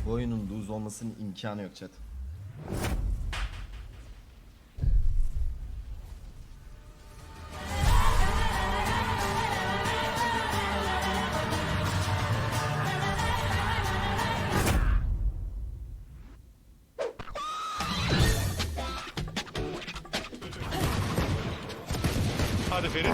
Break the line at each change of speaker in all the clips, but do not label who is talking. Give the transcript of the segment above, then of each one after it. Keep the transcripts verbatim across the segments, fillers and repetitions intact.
Bu oyunun lose olmasının imkanı yok chat.
Hadi Ferit.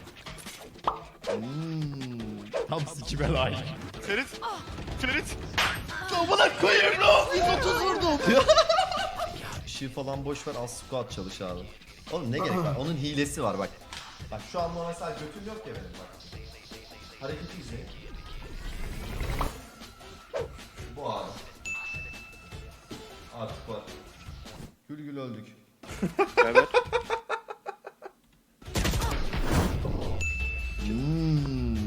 Hmm, tam sikime layık.
Ferit. Ferit.
Amına koyayım lan! yüz otuz vurdum. Işığı falan boş ver, az squat çalış abi. Oğlum ne gerek var? Onun hilesi var bak. Bak şu an mesela götüm yok ya benim bak. Hareketi izle. Bu abi. Artık var. Gül gül öldük.
Evet.
Hmm.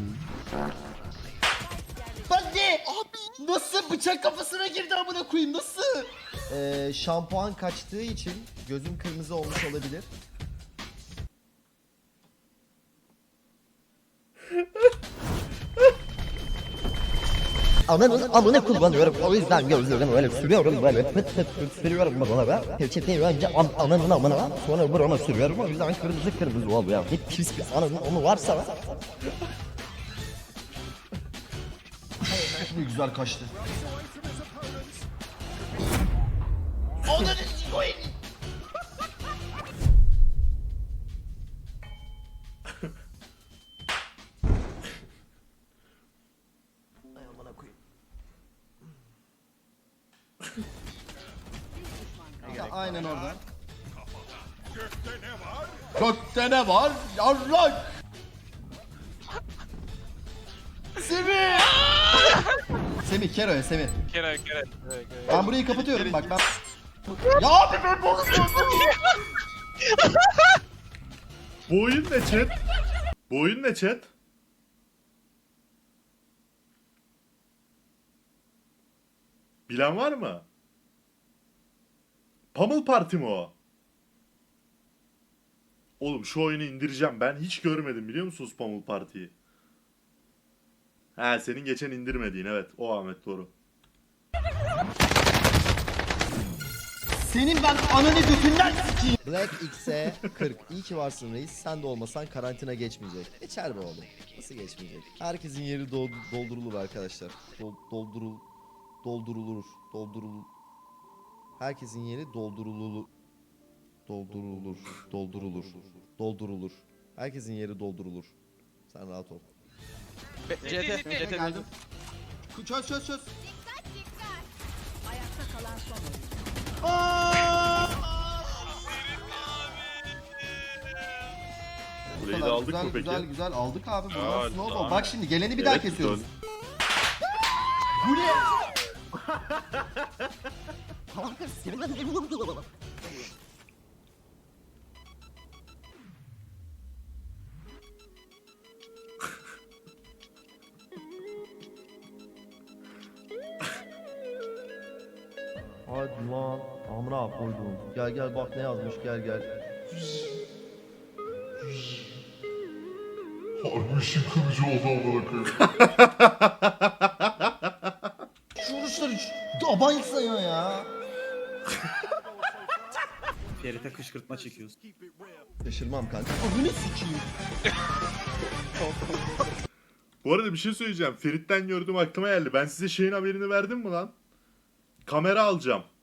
Ben ne? Abi nasıl bıçak kafasına girdi amına koyayım nasıl? Ee, şampuan kaçtığı için gözüm kırmızı olmuş olabilir.
Ananın amına kullanıyorum. O yüzden gözlerimi böyle sürüyorum böyle pıt pıt pıt sürüyorum bana be. Peçeteyi önce an, ananın amına sonra burama sürüyorum. O yüzden kırmızı kırmızı oluyor. Git pis pis ananın onu varsa.
Ne güzel kaçtı. Onları koyayım. Ay amına koyayım. Ya, aynen orada. Gökte ne var? Yarrak! Semih! Semih, Kero'ya Semih.
Kere kere.
Ben burayı kapatıyorum bak ben... Ya abi ben bozuyorum.
Bu oyun ne chat? Bu oyun ne chat? Bilen var mı? Pummel Party mi o? Oğlum şu oyunu indireceğim. Ben hiç görmedim biliyor musunuz Pummel Party'yi? He senin geçen indirmediğin evet. O Ahmet doğru.
Senin ben ananı götünden sikeyim. Black X'e kırk. İyi ki varsın reis. Sen de olmasan karantina geçmeyecek. Geçer be oğlum. Nasıl geçmeyecek? Herkesin yeri do- doldurulur arkadaşlar. Dol- doldurul doldurulur. Doldurul. Herkesin yeri doldurulur. Doldurulur. Doldurulur. Doldurulur. Herkesin yeri doldurulur. Sen rahat ol.
C T. C T
Geldim. Çöz çöz çöz.
Ayakta kalan son oyuncu.
Burayı da aldık
güzel,
mı peki?
Güzel güzel aldık abi. Bundan
Aa,
snowball.
tamam.
Bak şimdi geleni bir
Evet,
daha kesiyoruz.
dön.
Bu ne? Hadi lan. Amına koydum. Gel gel bak ne yazmış gel gel.
Harbi işin kılıcı oldu amına koyayım.
Şu vuruşları aban yıksana ya.
Ferit'e kışkırtma çekiyoruz.
Şaşırmam kanka. Abone sikeyim.
Bu arada bir şey söyleyeceğim. Ferit'ten gördüğüm aklıma geldi. Ben size şeyin haberini verdim mi lan? Kamera alacağım.